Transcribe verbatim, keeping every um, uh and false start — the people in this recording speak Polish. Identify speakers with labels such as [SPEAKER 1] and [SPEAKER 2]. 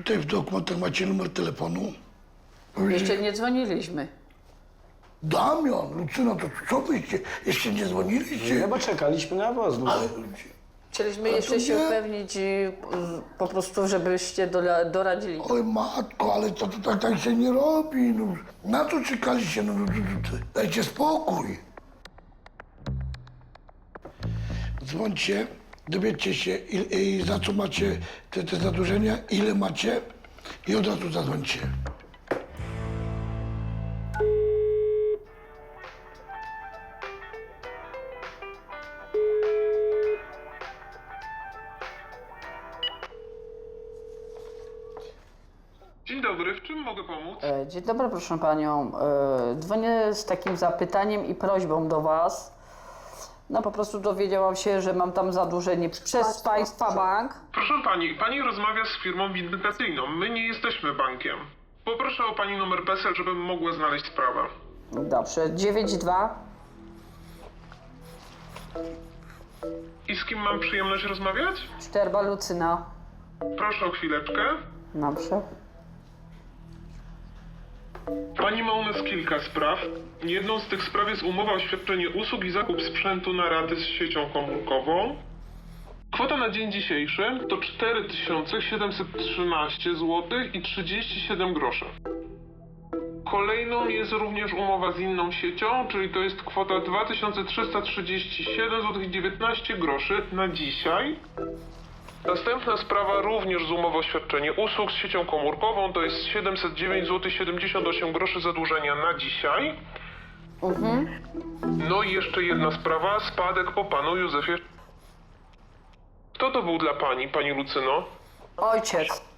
[SPEAKER 1] tutaj w dokumentach macie numer telefonu?
[SPEAKER 2] Jeszcze nie dzwoniliśmy.
[SPEAKER 1] Damian, Lucyna, to co wyście? Jeszcze nie dzwoniliście?
[SPEAKER 3] No bo czekaliśmy na was. No.
[SPEAKER 1] Ale
[SPEAKER 2] Chcieliśmy
[SPEAKER 1] Ale
[SPEAKER 2] jeszcze
[SPEAKER 1] to
[SPEAKER 2] się
[SPEAKER 1] nie.
[SPEAKER 2] upewnić i y, po prostu, żebyście dola- doradzili.
[SPEAKER 1] oj matko, ale to, to tak, tak się nie robi. No. Na to czekaliście, no, no, no, no. Dajcie spokój. Dzwońcie, dowiedzcie się il, i za co macie te, te zadłużenia, ile macie i od razu zadzwońcie.
[SPEAKER 4] Dzień dobry, w czym mogę pomóc?
[SPEAKER 2] E, Dzień dobry, proszę panią. E, Dzwonię z takim zapytaniem i prośbą do was. No po prostu dowiedziałam się, że mam tam zadłużenie przez państwa bank.
[SPEAKER 4] Proszę pani, pani rozmawia z firmą windykacyjną. My nie jesteśmy bankiem. Poproszę o pani numer PESEL, żebym mogła znaleźć sprawę.
[SPEAKER 2] Dobrze, dziewięć dwa.
[SPEAKER 4] I z kim mam przyjemność rozmawiać?
[SPEAKER 2] Szczerba Lucyna.
[SPEAKER 4] Proszę o chwileczkę.
[SPEAKER 2] Dobrze.
[SPEAKER 4] Pani ma u nas kilka spraw. Jedną z tych spraw jest umowa o świadczenie usług i zakup sprzętu na raty z siecią komórkową. Kwota na dzień dzisiejszy to cztery tysiące siedemset trzynaście złotych i trzydzieści siedem groszy. Kolejną jest również umowa z inną siecią, czyli to jest kwota dwa tysiące trzysta trzydzieści siedem złotych i dziewiętnaście groszy na dzisiaj. Następna sprawa również z umową o świadczenie usług z siecią komórkową, to jest siedemset dziewięć złotych siedemdziesiąt osiem groszy zadłużenia na dzisiaj.
[SPEAKER 2] Mhm.
[SPEAKER 4] No i jeszcze jedna sprawa, spadek po panu Józefie. Kto to był dla pani, pani Lucyno?
[SPEAKER 2] Ojciec.